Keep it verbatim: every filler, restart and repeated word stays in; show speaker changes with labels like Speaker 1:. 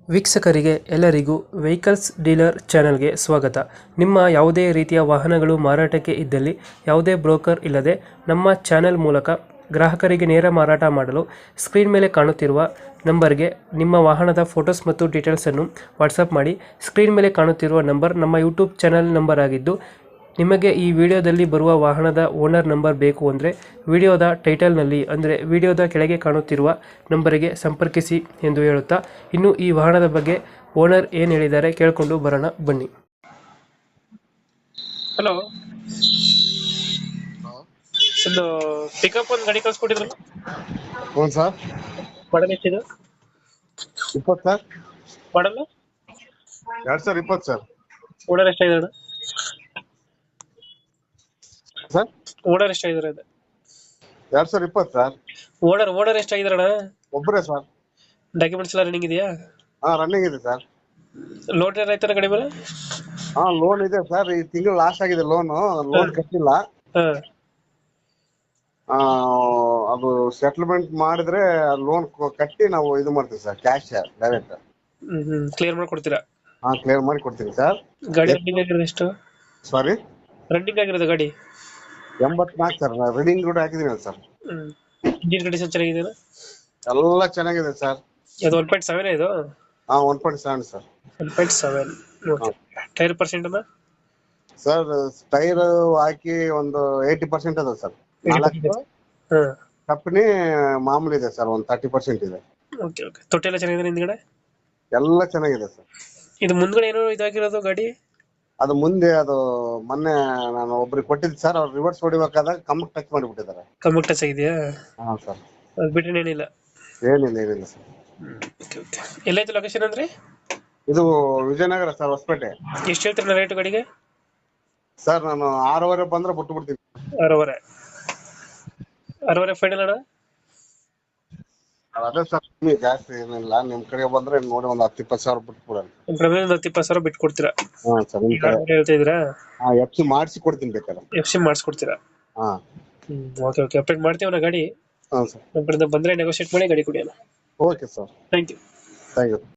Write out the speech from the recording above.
Speaker 1: ವೀಕ್ಷಕರಿಗೆ ಎಲ್ಲರಿಗೂ vehicles dealer ಚಾನೆಲ್ಗೆ ಸ್ವಾಗತ. ನಿಮ್ಮ ಯಾವುದೇ ರೀತಿಯ ವಾಹನಗಳು ಮಾರಾಟಕ್ಕೆ ಇದ್ದಲ್ಲಿ ಯಾವುದೇ ಬ್ರೋಕರ್ ಇಲ್ಲದೆ ನಮ್ಮ ಚಾನೆಲ್ ಮೂಲಕ ಗ್ರಾಹಕರಿಗೆ ನೇರ ಮಾರಾಟ ಮಾಡಲು ಸ್ಕ್ರೀನ್ ಮೇಲೆ ಕಾಣುತ್ತಿರುವ ನಂಬರ್ಗೆ ನಿಮ್ಮ ವಾಹನದ ಫೋಟೋಸ್ ಮತ್ತು ಡೀಟೇಲ್ಸನ್ನು ವಾಟ್ಸಪ್ ಮಾಡಿ. ಸ್ಕ್ರೀನ್ ಮೇಲೆ ಕಾಣುತ್ತಿರುವ ನಂಬರ್ ನಮ್ಮ ಯೂಟ್ಯೂಬ್ ಚಾನೆಲ್ ನಂಬರ್ ಆಗಿದ್ದು, ನಿಮಗೆ ಈ ವಿಡಿಯೋದಲ್ಲಿ ಬರುವ ವಾಹನದ ಓನರ್ ನಂಬರ್ ಬೇಕು ಅಂದರೆ ವಿಡಿಯೋದ ಟೈಟಲ್ನಲ್ಲಿ ಅಂದರೆ ವಿಡಿಯೋದ ಕೆಳಗೆ ಕಾಣುತ್ತಿರುವ ನಂಬರಿಗೆ ಸಂಪರ್ಕಿಸಿ ಎಂದು ಹೇಳುತ್ತಾ, ಇನ್ನು ಈ ವಾಹನದ ಬಗ್ಗೆ ಓನರ್ ಏನು ಹೇಳಿದ್ದಾರೆ ಕೇಳಿಕೊಂಡು ಬರೋಣ ಬನ್ನಿ. ಹಲೋ, ಒಂದು ಪಿಕಪ್ ಒಂದು ಗಾಡಿ ಕಳ್ಸ್ಕೊಟ್ಟಿದ್ರಲ್ಲ,
Speaker 2: ಹ್ಞೂ ಸರ್.
Speaker 1: ಮಾಡಲ್ ಎಷ್ಟಿದೆ?
Speaker 2: ಇಪ್ಪತ್ತು ಸರ್.
Speaker 1: ಮಾಡಲ್ಲ
Speaker 2: ಎರಡು ಸಾವಿರ ಇಪ್ಪತ್ತು ಸರ್.
Speaker 1: ಓನರ್ ಎಷ್ಟಾಗಿದ್ದಾರೆ?
Speaker 2: ಸರ್
Speaker 1: ಓನರ್ ಎಷ್ಟಾಗಿದ್ದಾರೆ? ಅದು
Speaker 2: ಎರಡು ಸಾವಿರ ಇಪ್ಪತ್ತು ಸರ್.
Speaker 1: Owner owner ಎಷ್ಟಾಗಿದ್ದಾರಣ?
Speaker 2: ಒಬ್ಬರೇ ಸರ್.
Speaker 1: ಡಾಕ್ಯುಮೆಂಟ್ಸ್ ಎಲ್ಲ ರನ್ನಿಂಗ್ ಇದೆಯಾ?
Speaker 2: ಹಾಂ, ರನ್ನಿಂಗ್ ಇದೆ ಸರ್.
Speaker 1: ಲೋನ್ ಏನಾರ ಆಯ್ತಾರ ಗಾಡಿ ಮೇಲೆ?
Speaker 2: ಹಾಂ, ಲೋನ್ ಇದೆ ಸರ್. ಈ ತಿಂಗಳು ಲಾಸ್ಟ್ ಆಗಿದೆ ಲೋನು. ಲೋನ್ ಕಟ್ಟಿಲ್ಲ.
Speaker 1: ಹಾಂ,
Speaker 2: ಅದು ಸೆಟ್ಲ್ಮೆಂಟ್ ಮಾಡಿದ್ರೆ ಲೋನ್ ಕಟ್ಟಿ ನಾವು ಇದು ಮಾಡ್ತೀವಿ sir, cash direct.
Speaker 1: Hmm hmm clear ಮಾಡ್ಕೊಡ್ತೀರಾ?
Speaker 2: ಹಾಂ, ಕ್ಲಿಯರ್ ಮಾಡಿ ಕೊಡ್ತೀನಿ ಸರ್.
Speaker 1: ಗಾಡಿ ರನ್ನಿಂಗ್ ಆಗಿರೋದು ಎಷ್ಟು?
Speaker 2: ಸಾರಿ,
Speaker 1: ರನ್ನಿಂಗ್ ಆಗಿರೋದು ಗಾಡಿ
Speaker 2: ಎಂಬತ್ನಾಲ್ಕು ಸರ್. ರೀಡಿಂಗ್ ಕೂಡ ಹಾಕಿದ್ದೀನಿ ಸರ್.
Speaker 1: ಹ್ಮ್ ಇಂಜಿನ್ ಕಂಡೀಷನ್ ಚೆನ್ನಾಗಿದೆಯಾ?
Speaker 2: ಎಲ್ಲ ಚೆನ್ನಾಗಿದೆ ಸರ್.
Speaker 1: ಅದು ಒನ್ ಪಾಯಿಂಟ್ ಸೆವೆನ್ ಇದು?
Speaker 2: ಹಾಂ, one point seven sir.
Speaker 1: One point seven. Okay. Tyre percent ಅನ್ನ
Speaker 2: ಸರ್, ಟೈರ್ ಹಾಕಿ ಒಂದು ಏಯ್ಟಿ ಪರ್ಸೆಂಟ್ ಅದ ಸರ್. ನಾಲ್ಕು
Speaker 1: ಹಾಂ,
Speaker 2: ಕಂಪನಿ ಮಾಮೂಲಿ ಇದೆ ಸರ್, ಒಂದು ತರ್ಟಿ ಪರ್ಸೆಂಟ್ ಇದೆ.
Speaker 1: Okay okay. ತೊಟ್ಟಿ ಎಲ್ಲ ಚೆನ್ನಾಗಿದೆ ಹಿಂದ್ಗಡೆ?
Speaker 2: ಎಲ್ಲ ಚೆನ್ನಾಗಿದೆ ಸರ್.
Speaker 1: ಇದು ಮುಂದ್ಗಡೆ ಏನೋ ಇದಾಗಿರೋದು ಗಾಡಿ?
Speaker 2: ಅದು ಮುಂದೆ ಅದು ಮೊನ್ನೆ ನಾನು ಒಬ್ರಿಗೆ ಕೊಟ್ಟಿದ್ದೆ ಸರ್. ಅವ್ರು ರಿವರ್ಸ್ ಹೊಡಿಬೇಕಾದಾಗ ಕಮ್ಮಕ್ಕೆ ಟಚ್ ಮಾಡಿಬಿಟ್ಟಿದ್ದಾರೆ.
Speaker 1: ಕಮ್ಮಿ ಟಚ್ ಆಗಿದೆಯಾ?
Speaker 2: ಹಾಂ ಸರ್.
Speaker 1: ಅದು ಬಿಟ್ಟರೆ ಏನಿಲ್ಲ?
Speaker 2: ಏನಿಲ್ಲ ಏನಿಲ್ಲ ಸರ್.
Speaker 1: Okay okay. ಎಲ್ಲೈತೆ ಲೊಕೇಶನ್ ಅಂದ್ರೆ?
Speaker 2: ಇದು ವಿಜಯನಗರ ಸರ್, ಹೊಸಪೇಟೆ.
Speaker 1: ಎಷ್ಟು ಹೇಳ್ತೀರ ರೇಟ್ ಗಾಡಿಗೆ?
Speaker 2: ಸರ್, ನಾನು ಆರೂವರೆ ಬಂದ್ರೆ ಬಿಟ್ಟು ಬಿಡ್ತೀನಿ.
Speaker 1: ಆರೂವರೆ ಆರೂವರೆ ಫೈನಲ್ ಅಣ್ಣ?
Speaker 2: ಅದೇ ಸರ್, ಕಮ್ಮಿ ಜಾಸ್ತಿ ಏನಿಲ್ಲ. ನಿಮ್ಮ ಕಡೆ ಬಂದ್ರೆ ನೋಡಿ ಒಂದು ಹತ್ತು ಇಪ್ಪತ್ತು ಸಾವಿರ ಬಿಟ್ಟು ಕೊಡೋಣ.
Speaker 1: ನಿಮ್ಮ ಕಡೆ ಒಂದು ಹತ್ತು ಇಪ್ಪತ್ತು ಸಾವಿರ ಬಿಟ್ಟು ಕೊಡ್ತೀರಾ?
Speaker 2: ಹಾಂ ಸರ್. ನಿಮ್ಮ ಕಡೆ
Speaker 1: ಹೇಳ್ತಾ ಇದ್ದೀರಾ?
Speaker 2: ಹಾಂ, ಎಫ್ ಸಿ ಮಾಡಿಸಿ ಕೊಡ್ತೀನಿ ಬೇಕಾದ್ರೆ.
Speaker 1: ಎಫ್ ಸಿ ಮಾಡಿಸ್ಕೊಡ್ತೀರಾ?
Speaker 2: ಹಾಂ.
Speaker 1: Hmm okay okay. ಅಪ್ಡೇಟ್ ಮಾಡ್ತೀವಿ ನಾ ಗಾಡಿ.
Speaker 2: ಹಾಂ ಸರ್.
Speaker 1: ನಮ್ಮ ಕಡೆಯಿಂದ ಬಂದರೆ ನೆಗೋಷಿಯೇಟ್ ಮಾಡಿ ಗಾಡಿ ಕೊಡಿ ಅಣ್ಣ.
Speaker 2: Okay sir.
Speaker 1: Thank you.
Speaker 2: Thank you.